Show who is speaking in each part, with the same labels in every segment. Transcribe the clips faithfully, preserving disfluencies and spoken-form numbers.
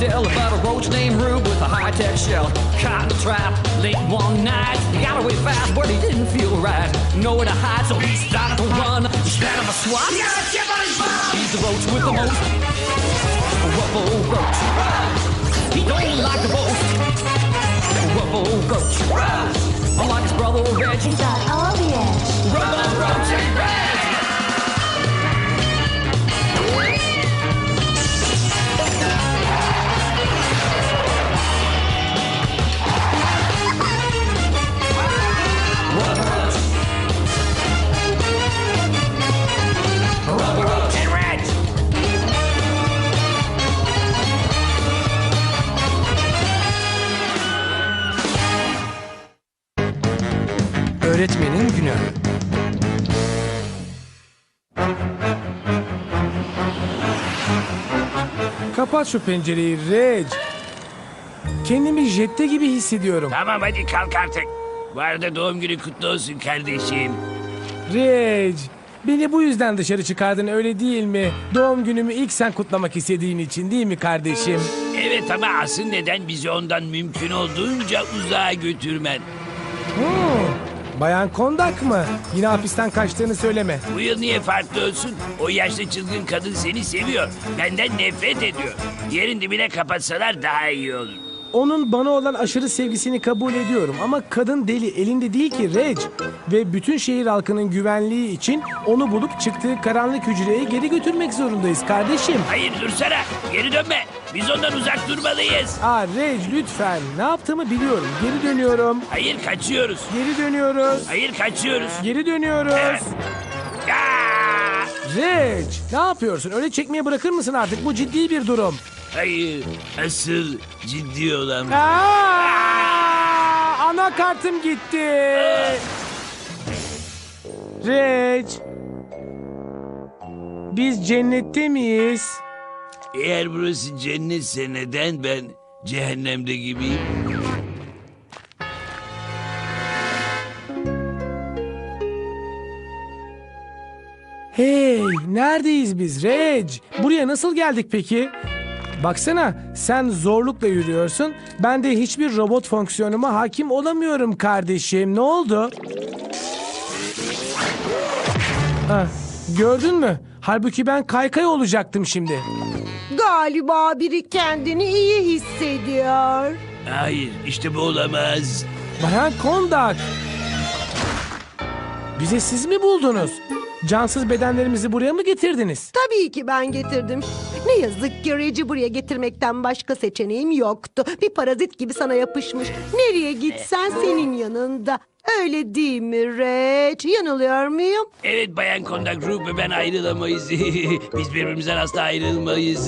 Speaker 1: tell about a roach named Rube with a high-tech shell. Caught in a trap late one night. He got away fast, but he didn't feel right. Nowhere to hide, so he started to run. Instead of a swat, he got a chip on his butt. He's the roach with the most. A rough old roach. He don't like to boast. A rough old roach. Unlike his brother Reg,
Speaker 2: He's got all the edge.
Speaker 1: rough old roach and Reg.
Speaker 3: Öğretmenin günü. Kapat şu pencereyi Reg. Kendimi jette gibi hissediyorum.
Speaker 4: Tamam hadi kalk artık. Bu arada doğum günü kutlu olsun kardeşim.
Speaker 3: Reg, beni bu yüzden dışarı çıkardın öyle değil mi? Doğum günümü ilk sen kutlamak istediğin için değil mi kardeşim?
Speaker 4: Evet ama asıl neden bizi ondan mümkün olduğunca uzağa götürmen.
Speaker 3: Hmm, Bayan Kondak mı? Yine hapisten kaçtığını söyleme.
Speaker 4: Bu yıl niye farklı olsun? O yaşlı çılgın kadın seni seviyor. Benden nefret ediyor. Yerin dibine kapatsalar daha iyi olur.
Speaker 3: Onun bana olan aşırı sevgisini kabul ediyorum ama kadın deli elinde değil ki Reg. Ve bütün şehir halkının güvenliği için onu bulup çıktığı karanlık hücreye geri götürmek zorundayız kardeşim.
Speaker 4: Hayır dursana. Geri dönme. Biz ondan uzak durmalıyız.
Speaker 3: Aa Reg lütfen, ne yaptığımı biliyorum. Geri dönüyorum.
Speaker 4: Hayır kaçıyoruz.
Speaker 3: Geri dönüyoruz.
Speaker 4: Hayır kaçıyoruz.
Speaker 3: Geri dönüyoruz.
Speaker 4: Evet. Aa!
Speaker 3: Reg, ne yapıyorsun? Öyle çekmeye bırakır mısın artık? Bu ciddi bir durum.
Speaker 4: Hayır. Asıl ciddi olan.
Speaker 3: Aa, anakartım gitti. Reg, biz cennette miyiz?
Speaker 4: Eğer burası cennetse neden ben cehennemde gibiyim?
Speaker 3: Hey, neredeyiz biz Reg? Buraya nasıl geldik peki? Baksana, sen zorlukla yürüyorsun. Ben de hiçbir robot fonksiyonuma hakim olamıyorum kardeşim. Ne oldu? Ha, gördün mü? Halbuki ben kaykay olacaktım şimdi.
Speaker 5: Galiba biri kendini iyi hissediyor.
Speaker 4: Hayır, işte bu olamaz.
Speaker 3: Bayan Kondak. Bize siz mi buldunuz? Cansız bedenlerimizi buraya mı getirdiniz?
Speaker 5: Tabii ki ben getirdim. Ne yazık ki Reg'i buraya getirmekten başka seçeneğim yoktu. Bir parazit gibi sana yapışmış. Nereye gitsen senin yanında. Öyle değil mi Reg? Yanılıyor muyum?
Speaker 4: Evet Bayan Kondak, Ruh ve ben ayrılamayız. Biz birbirimizden asla ayrılmayız.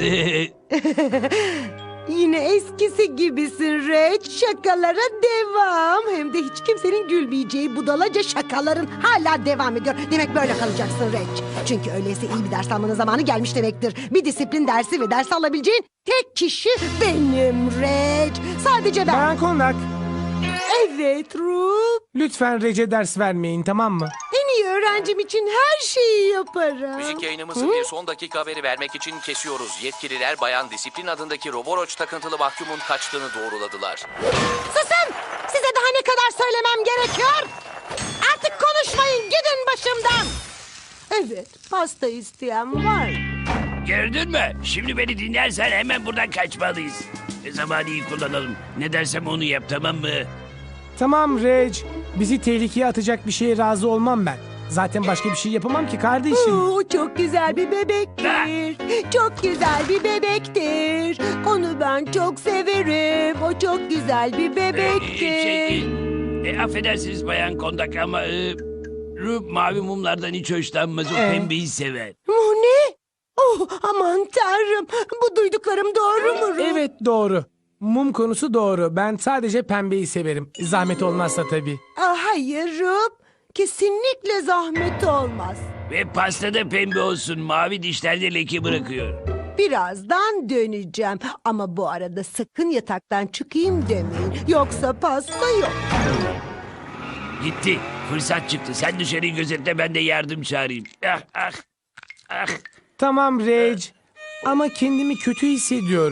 Speaker 5: Yine eskisi gibisin Reg. Şakalara devam. Hem de hiç kimsenin gülmeyeceği budalaca şakaların hala devam ediyor. Demek böyle kalacaksın Reg. Çünkü öyleyse iyi bir ders almanın zamanı gelmiş demektir. Bir disiplin dersi ve ders alabileceğin tek kişi benim Reg. Sadece ben.
Speaker 3: Bayan Kondak,
Speaker 5: Evet Ruh.
Speaker 3: lütfen Reg'e ders vermeyin, tamam mı?
Speaker 5: En iyi öğrencim için her şeyi yaparım.
Speaker 6: Müzik yayınımızı bir son dakika haberi vermek için kesiyoruz. Yetkililer Bayan Disiplin adındaki Roboroç takıntılı mahkumun kaçtığını doğruladılar.
Speaker 5: Susun! Size daha ne kadar söylemem gerekiyor? Artık konuşmayın, gidin başımdan. Evet, pasta isteyen var.
Speaker 4: Gördün mü? Şimdi beni dinlersen hemen buradan kaçmalıyız. E zamanı iyi kullanalım. Ne dersem onu yap, tamam mı?
Speaker 3: Tamam Reg, bizi tehlikeye atacak bir şeye razı olmam ben. Zaten başka bir şey yapamam ki kardeşim.
Speaker 5: Oo, çok güzel bir bebektir. Çok güzel bir bebektir. Onu ben çok severim. O çok güzel bir
Speaker 4: E,
Speaker 5: bebektir.
Speaker 4: şey, e, e, affedersiniz Bayan Kondak ama... E, Ruh mavi mumlardan hiç hoşlanmaz. O
Speaker 3: Ee?
Speaker 4: pembeyi sever.
Speaker 5: Oh, ne? Oh, aman tanrım. Bu duyduklarım doğru mu Ruh?
Speaker 3: Evet doğru. Mum konusu doğru. Ben sadece pembeyi severim. Zahmet olmazsa tabii.
Speaker 5: Ah, hayır Ruh. Kesinlikle zahmet olmaz.
Speaker 4: Ve pasta da pembe olsun. Mavi dişlerde leke bırakıyor.
Speaker 5: Birazdan döneceğim. Ama bu arada sakın yataktan çıkayım demeyin. Yoksa pasta yok.
Speaker 4: Gitti. Fırsat çıktı. Sen dışarıyı gözetle, ben de yardım çağırayım. Ah ah. Ah.
Speaker 3: Tamam Reg. Ama kendimi kötü hissediyorum.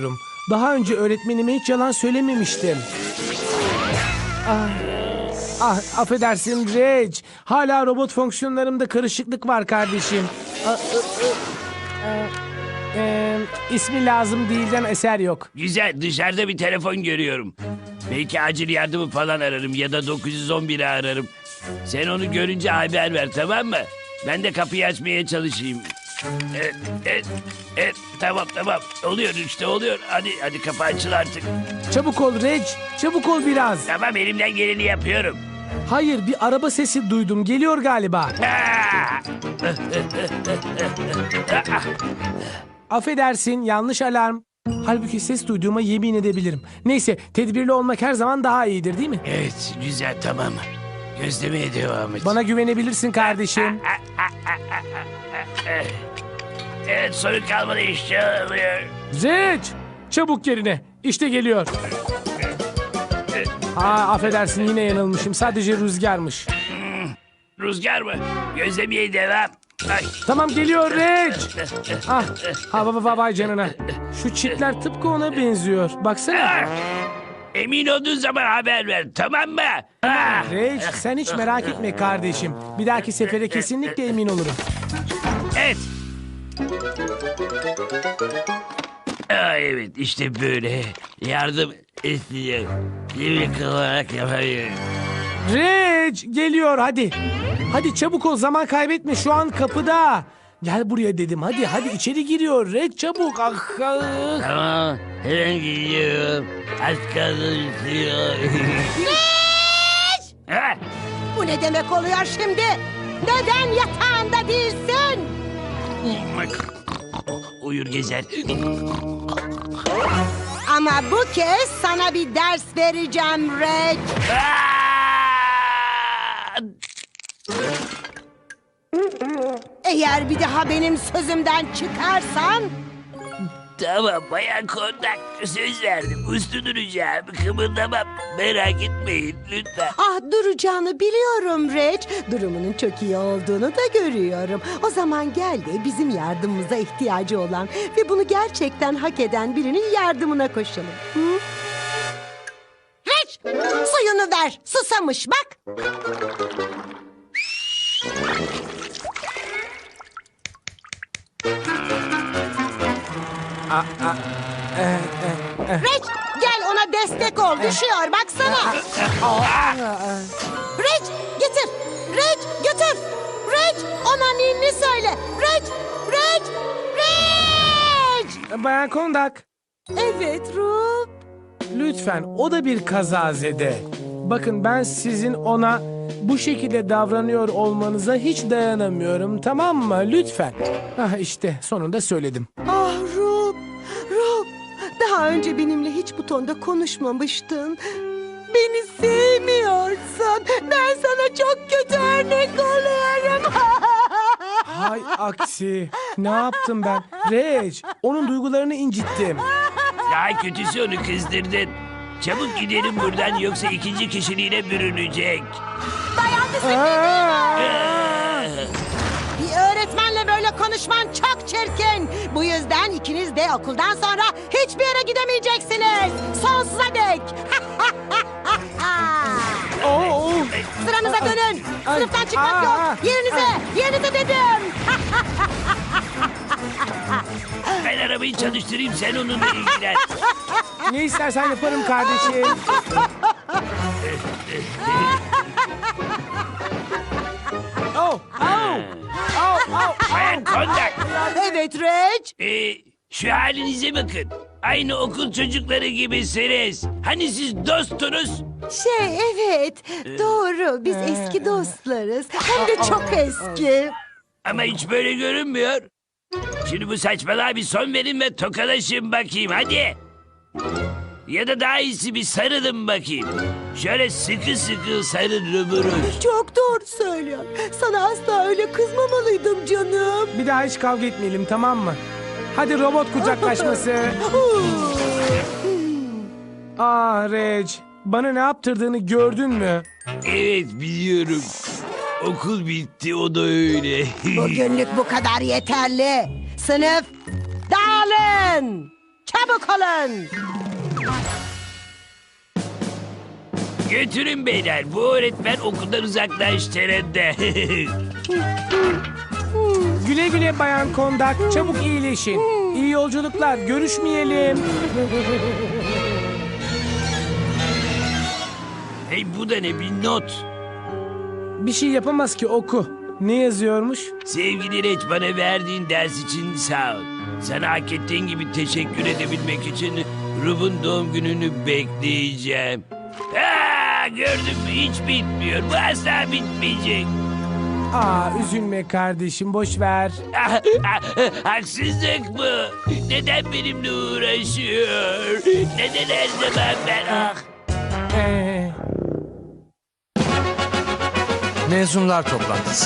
Speaker 3: Daha önce öğretmenime hiç yalan söylememiştim. Ah, ah affedersin Reg. Hala robot fonksiyonlarımda karışıklık var kardeşim. Ah, ah, ah, ah, e, ismi lazım değilden eser yok.
Speaker 4: Güzel, dışarıda bir telefon görüyorum. Belki acil yardımı falan ararım ya da dokuz yüz on biri ararım. Sen onu görünce haber ver, tamam mı? Ben de kapıyı açmaya çalışayım. Evet, evet, evet, tamam tamam. Oluyor işte, oluyor. Hadi hadi, kapı açıl artık.
Speaker 3: Çabuk ol Reg. Çabuk ol biraz.
Speaker 4: Tamam, elimden geleni yapıyorum.
Speaker 3: Hayır, bir araba sesi duydum. Geliyor galiba.
Speaker 4: Ah!
Speaker 3: Affedersin, yanlış alarm. Halbuki ses duyduğuma yemin edebilirim. Neyse, tedbirli olmak her zaman daha iyidir değil mi?
Speaker 4: Evet, güzel, tamam. Gözlemeye devam et.
Speaker 3: Bana güvenebilirsin kardeşim.
Speaker 4: Evet, sorun kalmadı, işte oluyor.
Speaker 3: Reg, çabuk yerine. İşte geliyor. Aa, affedersin, yine yanılmışım. Sadece rüzgarmış.
Speaker 4: Rüzgar mı? Gözlemeye devam. Ay.
Speaker 3: Tamam, geliyor Reg. Ah, ha baba vay canına. Şu çitler tıpkı ona benziyor. Baksana.
Speaker 4: Ah! Emin olduğun zaman haber ver, tamam mı? Ah!
Speaker 3: Reg, sen hiç merak etme kardeşim. Bir dahaki sefere kesinlikle emin olurum.
Speaker 4: Evet. Aa, evet, işte böyle. Yardım istiyor. Yemek olarak yapayım.
Speaker 3: Reg, geliyor hadi. Hadi çabuk ol, zaman kaybetme, şu an kapıda. Gel buraya dedim, hadi hadi içeri giriyor Reg, çabuk. Ah, ah.
Speaker 4: Tamam, hemen gidiyorum. Az kaldı istiyor. Ha?
Speaker 5: Bu ne demek oluyor şimdi? Neden yatağında değilsin?
Speaker 4: Uyur gezer.
Speaker 5: Ama bu kez sana bir ders vereceğim Reg.
Speaker 4: Aa!
Speaker 5: Eğer bir daha benim sözümden çıkarsan...
Speaker 4: Tamam, bayan kondak, söz verdim. Uslu duracağım, kımıldamam. Merak etmeyin lütfen.
Speaker 5: Ah, duracağını biliyorum Reg. Durumunun çok iyi olduğunu da görüyorum. O zaman gel de bizim yardımımıza ihtiyacı olan ve bunu gerçekten hak eden birinin yardımına koşalım. Hı? Reg, suyunu ver. Susamış bak. Reg, gel ona destek ol. Düşüyor baksana. Reg, getir. Reg, götür. Reg, ona ninni söyle. Reg, Reg, Reg.
Speaker 3: Bayan Kondak,
Speaker 5: Evet Rup.
Speaker 3: lütfen, o da bir kazazede. Bakın, ben sizin ona bu şekilde davranıyor olmanıza hiç dayanamıyorum, tamam mı? Lütfen. Ah, işte sonunda söyledim.
Speaker 5: Ah Rup, Rup. Daha önce benimle hiç bu tonda konuşmamıştın. Beni sevmiyorsun. Ben sana çok kötü örnek oluyorum.
Speaker 3: Hay aksi. Ne yaptım ben? Reg, onun duygularını incittim.
Speaker 4: Daha kötüsü, onu kızdırdın. Çabuk gidelim buradan, yoksa ikinci kişiliğine bürünecek.
Speaker 5: Dayan disiplin.
Speaker 3: Aa!
Speaker 5: Bir öğretmenle böyle konuşman çok çirkin. Bu yüzden ikiniz de okuldan sonra hiçbir yere gidemeyeceksiniz. Sonsuza dek.
Speaker 3: Oo!
Speaker 5: Sıranıza dönün.
Speaker 3: Ay,
Speaker 5: Sınıftan çıkmak
Speaker 3: aa,
Speaker 5: yok. Yerinize, yerinize dedim.
Speaker 4: Ben arabayı çalıştırayım, sen onunla ilgilen.
Speaker 3: Ne istersen yaparım kardeşim. Oh, oh, oh, oh.
Speaker 4: Bayan kondak.
Speaker 5: Evet Reg.
Speaker 4: Ee, şu halinize bakın. Aynı okul çocukları gibisiniz. Hani siz dostunuz?
Speaker 5: Şey evet doğru biz eski dostlarız. Hem de çok eski.
Speaker 4: Ama hiç böyle görünmüyor. Şimdi bu saçmalığa bir son verin ve tokalaşın bakayım, hadi. Ya da daha iyisi bir sarılın bakayım. Şöyle sıkı sıkı sarılırız.
Speaker 5: Çok doğru söylüyor. Sana asla öyle kızmamalıydım canım.
Speaker 3: Bir daha hiç kavga etmeyelim, tamam mı? Hadi robot kucaklaşması. Ah Reg, bana ne yaptırdığını gördün mü?
Speaker 4: Evet, biliyorum. Okul bitti, o da öyle.
Speaker 5: Bugünlük bu kadar yeterli. Sınıf dağılın. Çabuk olun.
Speaker 4: Götürün beyler. Bu öğretmen okuldan uzaklaştırıldı.
Speaker 3: Güle güle Bayan Kondak. Çabuk iyileşin. İyi yolculuklar. Görüşmeyelim.
Speaker 4: Hey, bu da ne, bir not.
Speaker 3: Bir şey yapamaz ki, oku. Ne yazıyormuş?
Speaker 4: Sevgili Reç, bana verdiğin ders için sağ ol. Sana hak ettiğin gibi teşekkür edebilmek için Rub'un doğum gününü bekleyeceğim. Aa, gördün mü, hiç bitmiyor. Bu asla bitmeyecek.
Speaker 3: Aa, üzülme kardeşim, boş ver.
Speaker 4: Ah, ah, haksızlık mı? Neden benimle uğraşıyor? Neden her zaman ben? Ah.
Speaker 3: Ee,
Speaker 2: Mezunlar toplantısı.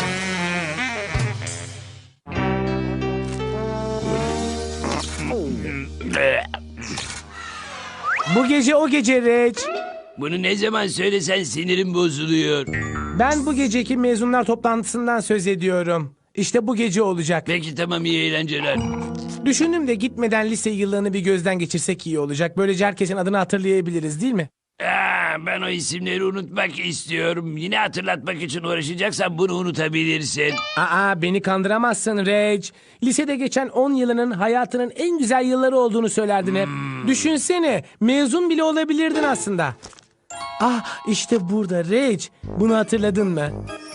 Speaker 3: bu gece o gece Reç.
Speaker 4: Bunu ne zaman söylesen sinirim bozuluyor.
Speaker 3: Ben bu geceki mezunlar toplantısından söz ediyorum. İşte bu gece olacak.
Speaker 4: Peki tamam, iyi eğlenceler.
Speaker 3: Düşündüm de gitmeden lise yıllarını bir gözden geçirsek iyi olacak. Böylece herkesin adını hatırlayabiliriz, değil mi?
Speaker 4: Aa, ben o isimleri unutmak istiyorum. Yine hatırlatmak için uğraşacaksan bunu unutabilirsin.
Speaker 3: Aa, beni kandıramazsın Reg. Lisede geçen on yılının hayatının en güzel yılları olduğunu söylerdin hep. Düşünsene, mezun bile olabilirdin aslında. Ah, işte burada Reg. Bunu hatırladın mı?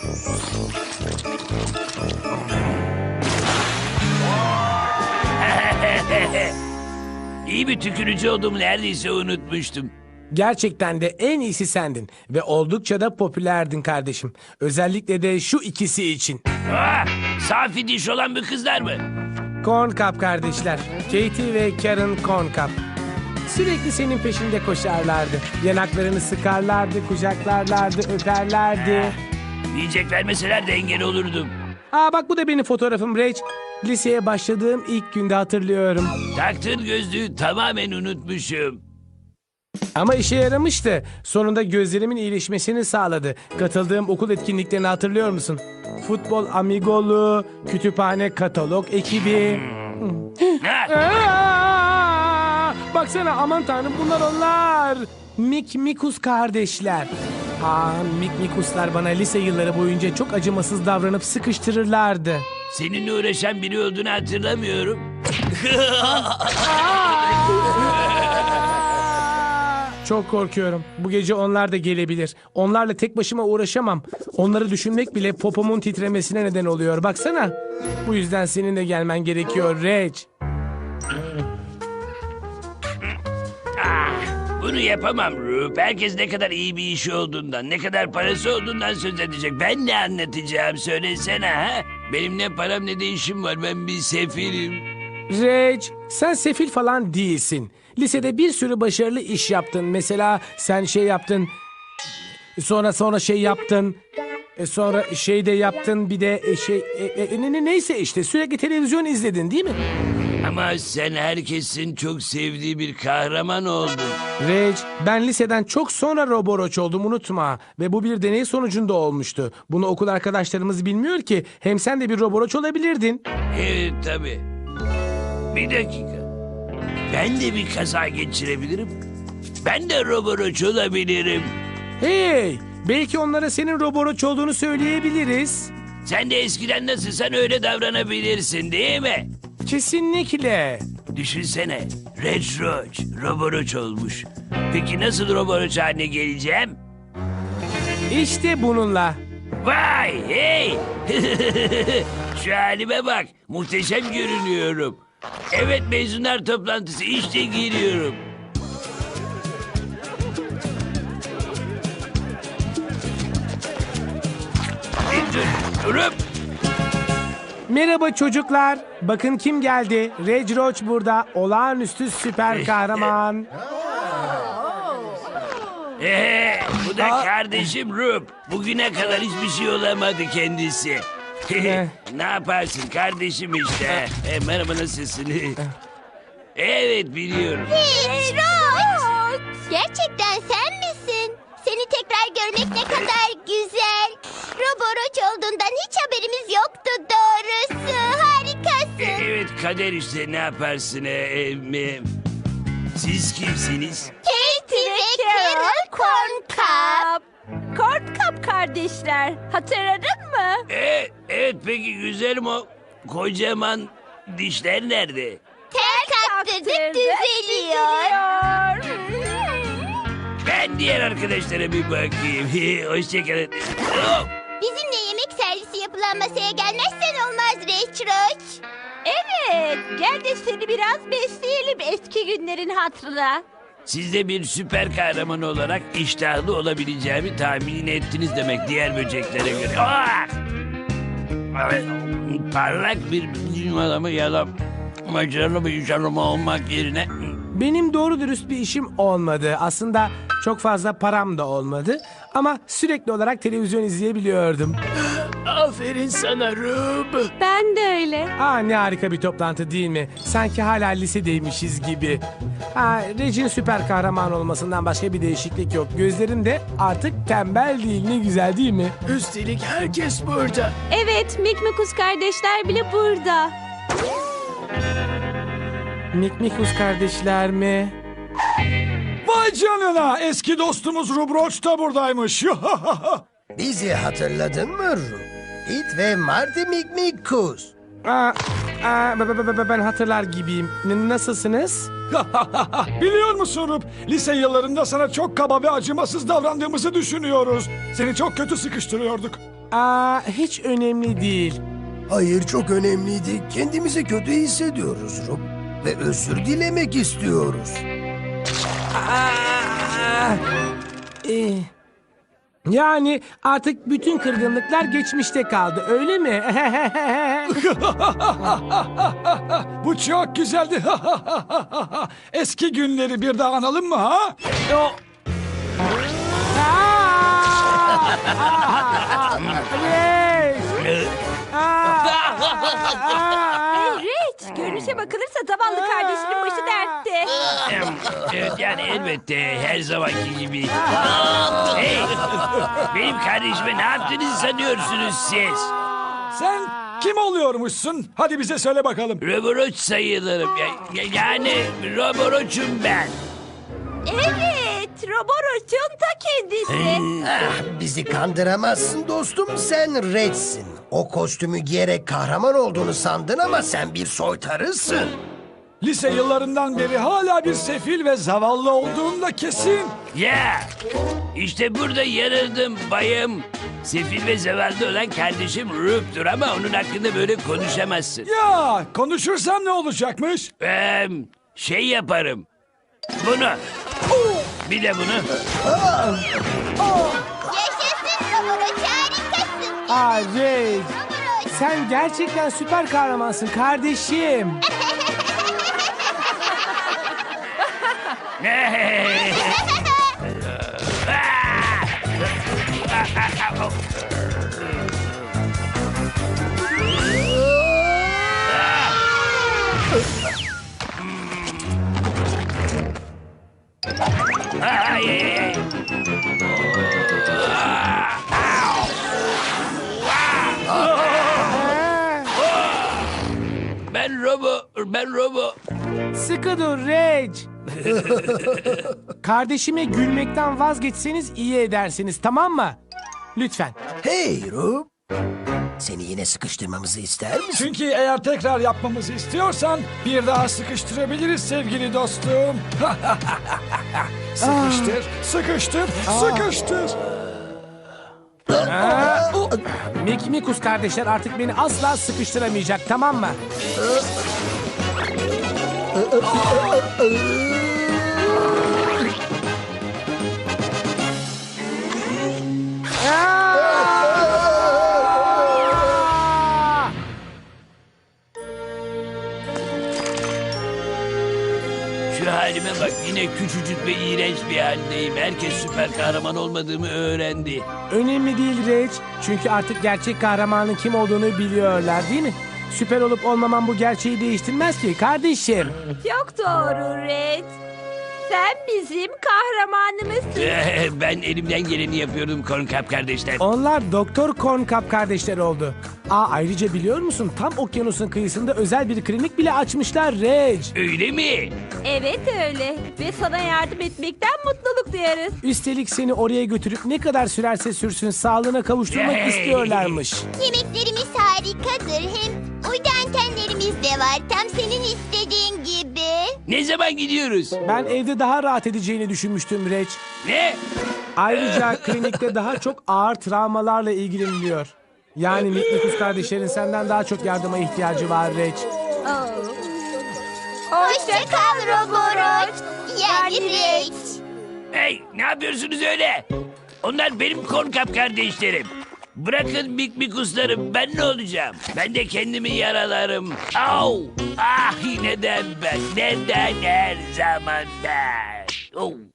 Speaker 4: İyi bir tükürücü olduğumu neredeyse unutmuştum.
Speaker 3: Gerçekten de en iyisi sendin. Ve oldukça da popülerdin kardeşim. Özellikle de şu ikisi için.
Speaker 4: Aa, safi diş olan bir kızlar mı?
Speaker 3: Corn Cup kardeşler. Katie ve Karen Corn Cup. Sürekli senin peşinde koşarlardı. Yanaklarını sıkarlardı, kucaklarlardı, öperlerdi.
Speaker 4: Yiyecek vermeseler de engel olurdum.
Speaker 3: Aa, bak bu da benim fotoğrafım Reg. Liseye başladığım ilk günde hatırlıyorum.
Speaker 4: Taktığın gözlüğü tamamen unutmuşum.
Speaker 3: Ama işe yaramıştı. Sonunda gözlerimin iyileşmesini sağladı. Katıldığım okul etkinliklerini hatırlıyor musun? Futbol amigolu, kütüphane katalog ekibi.
Speaker 4: Ha?
Speaker 3: Aa! Baksana, aman tanrım, bunlar onlar. Mik Mikus kardeşler. Aa, Mik Mikuslar bana lise yılları boyunca çok acımasız davranıp sıkıştırırlardı.
Speaker 4: Seninle uğraşan biri olduğunu hatırlamıyorum.
Speaker 3: Çok korkuyorum. Bu gece onlar da gelebilir. Onlarla tek başıma uğraşamam. Onları düşünmek bile popomun titremesine neden oluyor. Baksana. Bu yüzden senin de gelmen gerekiyor Reg.
Speaker 4: Bunu yapamam Rup. Herkes ne kadar iyi bir işi olduğundan, ne kadar parası olduğundan söz edecek. Ben ne anlatacağım söylesene ha? Benim ne param ne de işim var. Ben bir sefilim.
Speaker 3: Reg, sen sefil falan değilsin. Lisede bir sürü başarılı iş yaptın. Mesela sen şey yaptın. Sonra sonra şey yaptın. E sonra şey de yaptın. Bir de e, şey e, e, ne, ne- neyse işte sürekli televizyon izledin, değil mi?
Speaker 4: Ama sen herkesin çok sevdiği bir kahraman oldun.
Speaker 3: Reg, ben liseden çok sonra Roboroç oldum, unutma. Ve bu bir deney sonucunda olmuştu. Bunu okul arkadaşlarımız bilmiyor ki. Hem sen de bir Roboroç olabilirdin.
Speaker 4: Evet tabii. Bir dakika. Ben de bir kaza geçirebilirim. Ben de Roboroç olabilirim.
Speaker 3: Hey, belki onlara senin Roboroç olduğunu söyleyebiliriz.
Speaker 4: Sen de eskiden nasılsan öyle davranabilirsin değil mi?
Speaker 3: Kesinlikle.
Speaker 4: Düşünsene. Red Roach, Roboroç olmuş. Peki nasıl Roboroç haline geleceğim?
Speaker 3: İşte bununla.
Speaker 4: Vay hey! Şu halime bak. Muhteşem görünüyorum. Evet, mezunlar toplantısı, işte giriyorum. Bir dur, durup.
Speaker 3: Merhaba çocuklar. Bakın kim geldi. Reg Roach burada. Olağanüstü süper kahraman.
Speaker 4: Ee, bu da kardeşim Rup. Bugüne kadar hiçbir şey olamadı kendisi. Ne yaparsın kardeşim işte. E, merhaba, nasılsın? Evet, biliyorum.
Speaker 7: Hey Roach! Gerçekten sen misin? Seni tekrar görmek ne kadar güzel. Roboroç olduğundan hiç haberimiz yoktu doğrusu. Harikasın.
Speaker 4: E, evet, kader işte, ne yaparsın? E, e, Siz kimsiniz?
Speaker 7: Katie ve Carol Corncup.
Speaker 8: Corncup kardeşler. Hatırladın mı?
Speaker 4: Ee, evet peki güzelim o kocaman dişler nerede?
Speaker 7: Tel kaptırdık düzeliyor.
Speaker 4: Ben diğer arkadaşlara bir bakayım. Hoşçakalın. Oh!
Speaker 7: Bizimle yemek servisi yapılan masaya gelmezsen olmaz Reçroç.
Speaker 8: Evet. Gel de seni biraz besleyelim eski günlerin hatırına.
Speaker 4: Siz de bir süper kahraman olarak iştahlı olabileceğimi tahmin ettiniz demek diğer böceklere göre. Ah! Evet, parlak bir bilim adamı ya da başarılı bir iş adamı olmak yerine...
Speaker 3: Benim doğru dürüst bir işim olmadı. Aslında çok fazla param da olmadı. Ama sürekli olarak televizyon izleyebiliyordum.
Speaker 4: Aferin sana Rub.
Speaker 8: Ben de öyle.
Speaker 3: Aa, ne harika bir toplantı değil mi? Sanki hala lisedeymişiz gibi. Ha, Reg'in süper kahraman olmasından başka bir değişiklik yok. Gözlerim de artık tembel değil. Ne güzel değil mi?
Speaker 4: Üstelik herkes burada.
Speaker 8: Evet, Mikmikus kardeşler bile burada.
Speaker 3: Mikmikus kardeşler mi?
Speaker 9: Vay canına, eski dostumuz Rubroç da buradaymış.
Speaker 10: Bizi hatırladın mı Ru? It ve Marty Mikmikus.
Speaker 3: Aa, aa, b- b- b- ben hatırlar gibiyim. N- nasılsınız?
Speaker 9: Biliyor musun Rub, lise yıllarında sana çok kaba ve acımasız davrandığımızı düşünüyoruz. Seni çok kötü sıkıştırıyorduk.
Speaker 3: Aa, hiç önemli değil.
Speaker 10: Hayır, çok önemliydi. Kendimizi kötü hissediyoruz Ru. Ve özür dilemek istiyoruz.
Speaker 3: Aa, eh. Yani artık bütün kırgınlıklar geçmişte kaldı, öyle mi?
Speaker 9: Bu çok güzeldi. Eski günleri bir daha analım mı ha?
Speaker 3: O- Aa! Reç! Aa!
Speaker 8: Hey Reç, görünüşe bakılırsa zavallı kardeşinin başı dertte.
Speaker 4: Evet yani elbette her zamanki gibi. Hey! Benim kardeşime ne yaptığınızı sanıyorsunuz siz?
Speaker 9: Sen kim oluyormuşsun? Hadi bize söyle bakalım.
Speaker 4: Roboroç sayılırım. Ya, ya- yani Roboroç'um ben.
Speaker 8: Evet, Roboroç'un ta kendisi.
Speaker 10: Ah, bizi kandıramazsın dostum, sen Red'sin. O kostümü giyerek kahraman olduğunu sandın ama sen bir soytarısın.
Speaker 9: Lise yıllarından beri hala bir sefil ve zavallı olduğun da kesin.
Speaker 4: Ya işte burada yanıldım bayım. Sefil ve zavallı olan kardeşim Rub'dur ama onun hakkında böyle konuşamazsın.
Speaker 9: Ya konuşursam ne olacakmış?
Speaker 4: Ee, şey yaparım. Bunu. Bir de bunu.
Speaker 7: Yaşasın Roboroç, harikasın.
Speaker 3: Aa, Reç!
Speaker 7: Roboroç.
Speaker 3: Sen gerçekten süper kahramansın kardeşim.
Speaker 4: Ay, ay, ay. Ben Robo, ben Robo.
Speaker 3: Sıkı dur Reç. Kardeşime gülmekten vazgeçseniz iyi edersiniz, tamam mı? Lütfen.
Speaker 10: Hey Ru, seni yine sıkıştırmamızı ister misin?
Speaker 9: Çünkü eğer tekrar yapmamızı istiyorsan bir daha sıkıştırabiliriz sevgili dostum. Sıkıştır, sıkıştır, sıkıştır.
Speaker 3: Mikmikus kardeşler artık beni asla sıkıştıramayacak, tamam mı? Aa!
Speaker 4: Şu halime bak yine küçücük ve iğrenç bir haldeyim. Herkes süper kahraman olmadığımı öğrendi.
Speaker 3: Önemli değil Reç. Çünkü artık gerçek kahramanın kim olduğunu biliyorlar, değil mi? Süper olup olmamam bu gerçeği değiştirmez ki kardeşim.
Speaker 8: Çok doğru Reç. Sen bizim kahramanımızsın.
Speaker 4: Ben elimden geleni yapıyordum Corncap kardeşler.
Speaker 3: Onlar Doktor Corncap kardeşleri oldu. Aa, ayrıca biliyor musun, tam okyanusun kıyısında özel bir klinik bile açmışlar Reg.
Speaker 4: Öyle mi?
Speaker 8: Evet öyle. Ve sana yardım etmekten mutluluk duyarız.
Speaker 3: Üstelik seni oraya götürüp ne kadar sürerse sürsün sağlığına kavuşturmak
Speaker 4: Hey!
Speaker 3: istiyorlarmış.
Speaker 7: Yemeklerimiz harikadır. Hem uydu antenlerimiz de var. Tam senin istediğin gibi.
Speaker 4: Ne zaman gidiyoruz?
Speaker 3: Ben evde daha rahat edeceğini düşünmüştüm Reg.
Speaker 4: Ne?
Speaker 3: Ayrıca klinikte daha çok ağır travmalarla ilgileniliyor. Yani Mitnikus kardeşlerin senden daha çok yardıma ihtiyacı var Reg.
Speaker 7: Hoşça kal Roboroç. Yani Reç.
Speaker 4: Hey, ne yapıyorsunuz öyle? Onlar benim Corncap kardeşlerim. Bırakın mikmikuslarım, ben ne olacağım? Ben de kendimi yaralarım. Au! Ah, neden ben? Neden her zaman ben? Oh.